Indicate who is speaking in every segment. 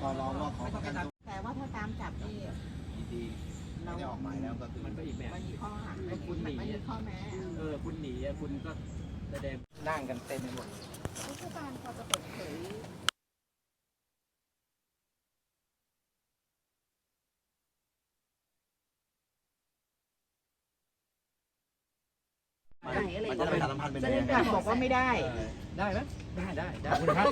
Speaker 1: อร้องว่าขอประกันตัว
Speaker 2: แต่ว่าถ้าตามจับนี่
Speaker 1: ดีไม่ได้ออกหมายแล้วก็คือ
Speaker 3: มันก็อีกแบบ
Speaker 2: มันมีข้อหา
Speaker 3: คุณหนี
Speaker 2: มันมีข้อแม้
Speaker 3: คุณหนีคุณก็แสดงนั่งกันเต็มไปหมด
Speaker 2: ผู้การพอจะเปิดเผย
Speaker 1: มันจะประชาสัมพันธ์เป็นยังไง
Speaker 2: บอกว่าไม่ได้
Speaker 3: ได้ไหมได้คุณครับ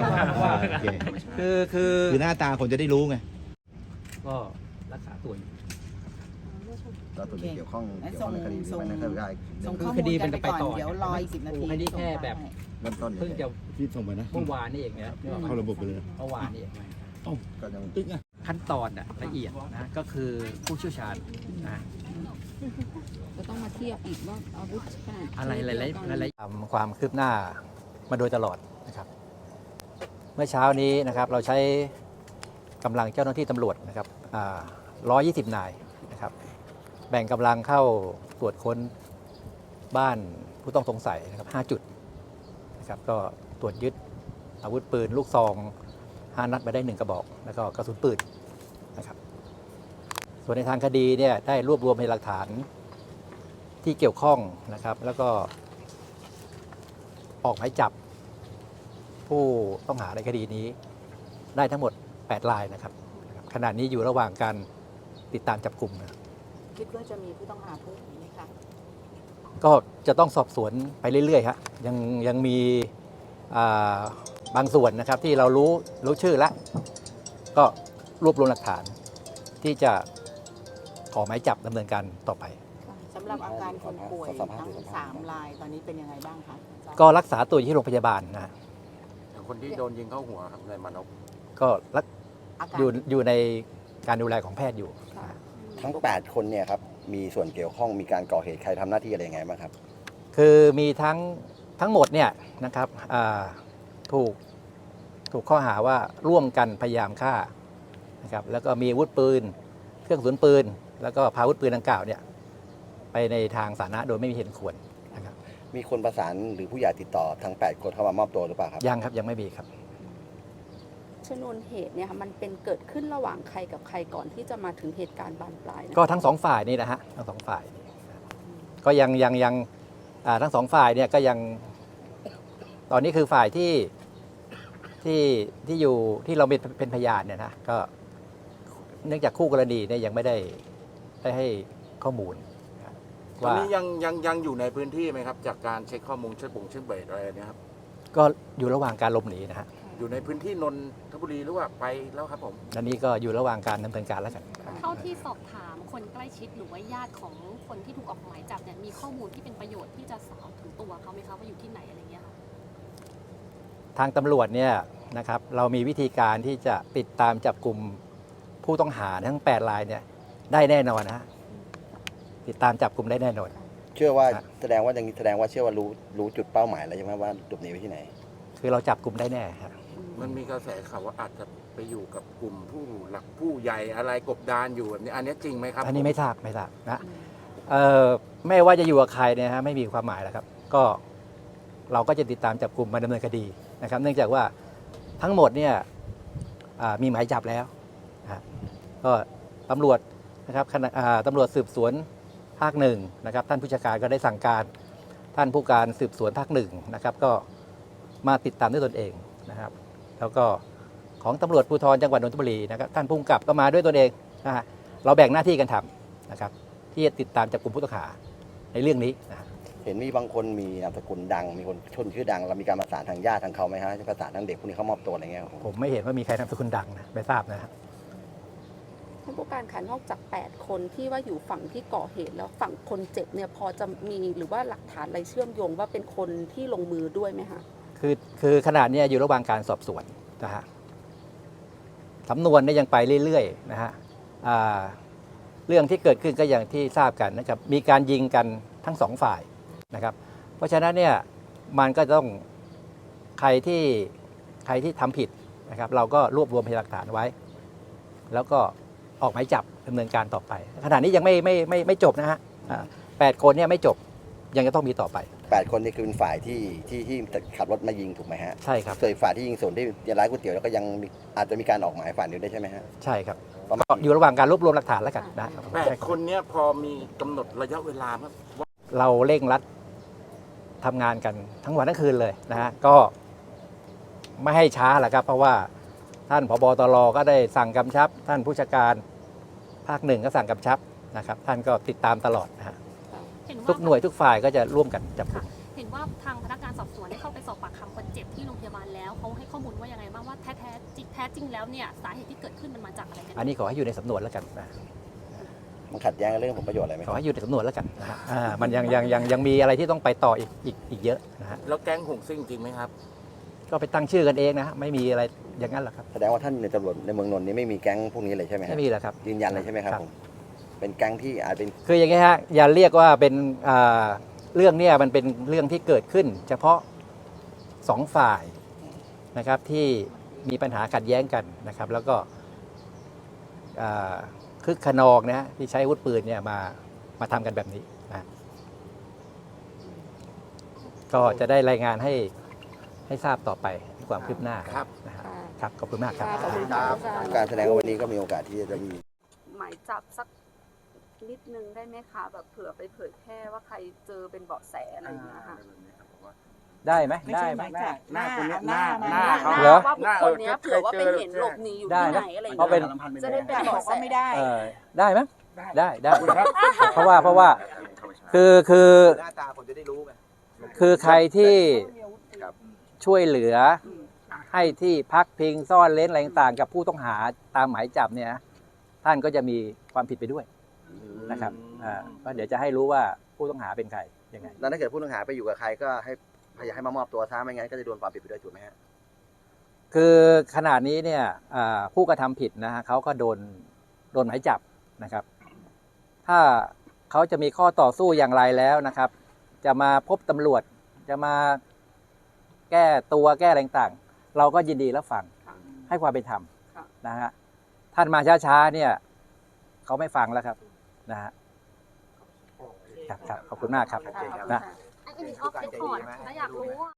Speaker 1: คือหน้าตาคนจะได้รู้ไง
Speaker 3: ก็รักษาตัวอยู่
Speaker 1: ก็ตัวเกี่ยวข้องในคดีหรือไม่ในคดีได้
Speaker 2: ส่งข้อมูลกันไปก่อนเดี๋ยวรออีก10 นาที
Speaker 3: คดีแค่แบบ
Speaker 1: เริ่มต้น
Speaker 3: เพิ่งจะ
Speaker 1: ที่ส่งไปนะ
Speaker 3: เมื่อวานนี่เองนะ
Speaker 1: เข้าระบบไปเลย
Speaker 3: เมื่อวานนี่เอง
Speaker 1: ก็ยัง
Speaker 3: ตึ๊กอ่ะขั้นตอนละเอียดนะก็คือผู้เชี่ยวชาญนะ
Speaker 2: จะต้องมาเทียบอีกว่าอาวุธ
Speaker 3: อะไรทำความคืบหน้ามาโดยตลอดนะครับเมื่อเช้านี้นะครับเราใช้กำลังเจ้าหน้าที่ตำรวจนะครับ120 นายนะครับแบ่งกำลังเข้าตรวจค้นบ้านผู้ต้องสงสัยนะครับ5 จุดนะครับก็ตรวจยึดอาวุธปืนลูกซอง5 นัดมาได้1 กระบอกแล้วก็กระสุนปืนนะครับส่วนในทางคดีเนี่ยได้รวบรวมพยานหลักฐานที่เกี่ยวข้องนะครับแล้วก็ออกหมายจับผู้ต้องหาในคดีนี้ได้ทั้งหมด8 รายนะครับขณะนี้อยู่ระหว่างการติดตามจับกลุ่มนะ
Speaker 2: คิดว่าจะมีผู้ต้องหาเพิ่มไหมคะ
Speaker 3: ก็จะต้องสอบสวนไปเรื่อยๆฮะยังมีบางส่วนนะครับที่เรารู้ชื่อแล้วก็รวบรวมหลักฐานที่จะขอหมายจับดำเนินการต่อไป
Speaker 2: สำหรับอาการคนป่วยทั้ง3 รายตอนนี้เป็นยังไงบ้างคะ
Speaker 3: ก็รักษาตัวอยู่ที่โรงพยาบาลนะ
Speaker 1: คนที่โดนยิงเข้าหัวครับนายมานพ
Speaker 3: ก็อยู่ในการดูแลของแพทย์อยู่
Speaker 4: ทั้ง8 คนเนี่ยครับมีส่วนเกี่ยวข้องมีการก่อเหตุใครทำหน้าที่อะไรยังไงบ้างครับ
Speaker 3: คือมีทั้งหมดเนี่ยนะครับถูกข้อหาว่าร่วมกันพยายามฆ่านะครับแล้วก็มีอาวุธปืนเครื่องกระสุนปืนแล้วก็พาอาวุธปืนดังกล่าวเนี่ยไปในทางสาธารณะโดยไม่มีเหตุควรนะครับ
Speaker 4: มีคนประสานหรือผู้ใหญ่ติดต่อทั้ง8 คนเข้ามามอบตัวหรือเปล่าครับ
Speaker 3: ยังครับยังไม่มีครับ
Speaker 5: ชนวนเหตุเนี่ยค่ะมันเป็นเกิดขึ้นระหว่างใครกับใครก่อนที่จะมาถึงเหตุการณ์บานปลาย
Speaker 3: ก็ทั้ง2 ฝ่ายนี่นะฮะทั้ง2 ฝ่ายก็ยังทั้ง2 ฝ่ายเนี่ยก็ยังตอนนี้คือฝ่ายที่อยู่ที่เราเป็นพยานเนี่ยนะก็เนื่องจากคู่กรณีเนี่ยยังไม่ได้ให้ข้อมูล
Speaker 1: ตอนนี้ยังอยู่ในพื้นที่ไหมครับจากการเช็คข้อมูลเช็คเบรดอะไรเนี่ยครับ
Speaker 3: ก็อยู่ระหว่างการหลบหนีนะฮะ
Speaker 1: อยู่ในพื้นที่นนทบุรีหรือว่าไปแล้วครับผม
Speaker 3: อันนี้ก็อยู่ระหว่างการดำเนินการแล้วกัน
Speaker 6: เท่าที่สอบถามคนใกล้ชิดหรือว่าญาติของคนที่ถูกออกหมายจับเนี่ยมีข้อมูลที่เป็นประโยชน์ที่จะสาวถึงตัวเขาไหมคะว่าอยู่ที่ไหนอะไรเงี้ยค่ะ
Speaker 3: ทางตำรวจเนี่ยนะครับเรามีวิธีการที่จะติดตามจับกลุ่มผู้ต้องหาทั้ง8 รายเนี่ยได้แน่นอนนะฮะติดตามจับกลุ่มได้แน่นอน
Speaker 4: เชื่อว่าแสดงว่าเชื่อว่ารู้จุดเป้าหมายแล้วใช่ไหมว่าหลบหนีไปที่ไหน
Speaker 3: คือเราจับกลุ่มได้แน่ครับ
Speaker 1: มันมีกระแสข่าวว่าอาจจะไปอยู่กับกลุ่มผู้หลักผู้ใหญ่อะไรกบดานอยู่แบบนี้อันนี้จริงไหมครับ
Speaker 3: อันนี้ไม่ทราบนะไม่ว่าจะอยู่กับใครเนี่ยฮะไม่มีความหมายแล้วครับก็เราก็จะติดตามจับกลุ่มมาดำเนินคดีนะครับเนื่องจากว่าทั้งหมดเนี่ยมีหมายจับแล้วก็ตำรวจนะครับตำรวจสืบสวนภาค 1นะครับท่านผู้จัดการก็ได้สั่งการท่านผู้การสืบสวนภาค 1นะครับก็มาติดตามด้วยตนเองนะครับแล้วก็ของตำรวจภูธรจังหวัดนนทบุรีนะครับท่านผู้กำกับก็มาด้วยตนเองนะฮะเราแบ่งหน้าที่กันทำนะครับที่จะติดตามจับกลุ่มผู้ต้องหาในเรื่องนี้นะ
Speaker 4: เห็นมีบางคนมีนามสกุลดังมีคนชนชื่อดังเรามีการประสานทางญาติทางเขาไหมฮะประสานทางเด็กพวกนี้เขามอบตัวอะไรเงี้ย
Speaker 3: ผมไม่เห็นว่ามีใครนามสกุลดังนะไม่ทราบนะครับ
Speaker 5: ท่านผู้การคะนอกจาก8 คนที่ว่าอยู่ฝั่งที่ก่อเหตุแล้วฝั่งคนเจ็บเนี่ยพอจะมีหรือว่าหลักฐานอะไรเชื่อมโยงว่าเป็นคนที่ลงมือด้วยไหมคะ
Speaker 3: คือขณะนี้อยู่ระหว่างการสอบสวนนะฮะสำนวนเนี่ยยังไปเรื่อยๆนะฮะเรื่องที่เกิดขึ้นก็อย่างที่ทราบกันนะครับมีการยิงกันทั้ง2 ฝ่ายนะครับเพราะฉะนั้นเนี่ยมันก็ต้องใครที่ทำผิดนะครับเราก็รวบรวมพยานหลักฐานไว้แล้วก็ออกหมายจับดำเนินการต่อไปขณะนี้ยังไม่จบนะฮะ8 คนเนี่ยไม่จบยังจะต้องมีต่อไป
Speaker 4: 8 คนนี่คือเป็นฝ่ายที่ขับรถมายิงถูกไหมฮะ
Speaker 3: ใช่ครับ
Speaker 4: ส่วนอีกฝ่ายที่ยิงส่วนที่ร้านก๋วยเตี๋ยวแล้วก็ยังมีอาจจะมีการออกหมายฝ่ายนี้ได้วยใช่ไหมฮะ
Speaker 3: ใช่ครับ
Speaker 4: ประมาณ
Speaker 3: ก็อยู่ระหว่างการรวบรวมหลักฐานแล้วกันนะ
Speaker 1: 8 คนเนี้ยพอมีกำหนดระยะเวลาไหมว่า
Speaker 3: เราเร่งรัดทำงานกันทั้งวันทั้งคืนเลยนะฮะก็ไม่ให้ช้าแหละครับ เพราะว่าท่านผบ.ตร.ก็ได้สั่งกำชับ ท่านผู้จัดการภาค 1ก็สั่งกำชับนะครับ ท่านก็ติดตามตลอดนะฮะ
Speaker 6: เห็นว่า
Speaker 3: ทุกหน่วยทุกฝ่ายก็จะร่วมกันจับกุม
Speaker 6: เห็นว่าทางพนักงานสอบสวนได้เข้าไปสอบปากคำคนเจ็บที่โรงพยาบาลแล้วเขาให้ข้อมูลว่ายังไงบ้างว่าแท้จริงแล้วเนี่ยสาเหตุที่เกิดขึ้นมันมาจากอะไรกัน
Speaker 3: อันนี้ขอให้อยู่ในสำนวนแล้วกันนะ
Speaker 4: มันขัดแย้งกับเรื่องผลประโยชน์อะไรไหม
Speaker 3: ขอให้อยู่ในสำนวนแล้วกันนะฮะมันยังมีอะไรที่ต้องไปต่ออีกเยอะนะฮะ
Speaker 1: แล้วแก๊งหงซิ่งจริงไหมครับ
Speaker 3: ก็ไปตั้งชื่อกันเองนะฮะไม่มีอะไรอย่างนั้นหรอกครับ
Speaker 4: แสดงว่าท่านในตำรวจในเมืองนนท์นี้ไม่มีแก๊งพวกนี้เลยใช่ไหมฮะ
Speaker 3: ไม่มีแล้วครับ
Speaker 4: ยืนยันเลยใช่ไหมครับผมเป็นแก๊งที่อาจเป็น
Speaker 3: คืออย่างนี้ฮะอย่าเรียกว่าเป็นเรื่องเนี้ยมันเป็นเรื่องที่เกิดขึ้น เฉพาะสองฝ่ายนะครับที่มีปัญหาขัดแย้งกันนะครับ แล้วก็คึกขนองนะฮะที่ใช้อาวุธปืนเนี่ยมาทำกันแบบนี้นะก็จะได้รายงานให้ทราบต่อไปความคืบหน้า
Speaker 1: ครับ
Speaker 3: นะครับครับขอบคุณมากครับ
Speaker 5: ขอบคุณครับ
Speaker 4: การแสดงว่าวันนี้ก็มีโอกาสที่จะมี
Speaker 5: หมายจับสักนิดนึงได้ไหมคะแบบเผื่อไปเผยแพร่ว่าใครเจอเป็นเบาะแสอะไรอย่างเงี้ยค่ะ
Speaker 3: ได้ไหม
Speaker 2: ไม่
Speaker 3: ได้
Speaker 2: ใช่
Speaker 3: ไห
Speaker 2: ห
Speaker 3: ม
Speaker 2: มายจับหน้า
Speaker 1: คนเนี้ย
Speaker 2: หน้า
Speaker 1: หน้า
Speaker 2: หน้า
Speaker 3: เหรอ
Speaker 5: ว่าบุคคลเนี้ยเผื่อว่าไปเห็นหลบหนีอยู่
Speaker 3: ได้
Speaker 5: ที่
Speaker 3: นะ
Speaker 5: ไหนอะไรอย่าง
Speaker 3: เพราะเป็
Speaker 5: เงี้
Speaker 3: น
Speaker 5: ยจะได้เป็น
Speaker 2: บอก
Speaker 5: เบาะแส
Speaker 2: ว่าไม่ได้
Speaker 3: ได้ไหมได้เพราะว่าคือ
Speaker 4: หน้าตาคนจะได้รู้ไง
Speaker 3: คือใครที่ช่วยเหลือให้ที่พักพิงซ่อนเร้นอะไรต่างๆกับผู้ต้องหาตามหมายจับเนี่ยท่านก็จะมีความผิดไปด้วยนะครับก็เดี๋ยวจะให้รู้ว่าผู้ต้องหาเป็นใครยังไง
Speaker 4: แล้วถ้าเกิดผู้ต้องหาไปอยู่กับใครก็ให้อยากให้มามอบตัวซะไม่งั้นก็จะโดนความผิดไปด้วยถูกไหมฮะ
Speaker 3: คือขนาดนี้เนี่ยผู้กระทำผิดนะฮะเขาก็โดนหมายจับนะครับ ถ้าเขาจะมีข้อต่อสู้อย่างไรแล้วนะครับ จะมาพบตำรวจจะมาแก้ตัวแก้อะไรต่างๆเราก็ยินดีรับฟังให้ความเป็นธรรมนะฮะท่านมาช้าๆเนี่ยเขาไม่ฟังแล้วครับนะฮะครับขอบคุณมากครับนะ
Speaker 6: อันนี้ออฟเรคคอร์ดถ้าอยากรู้ว่า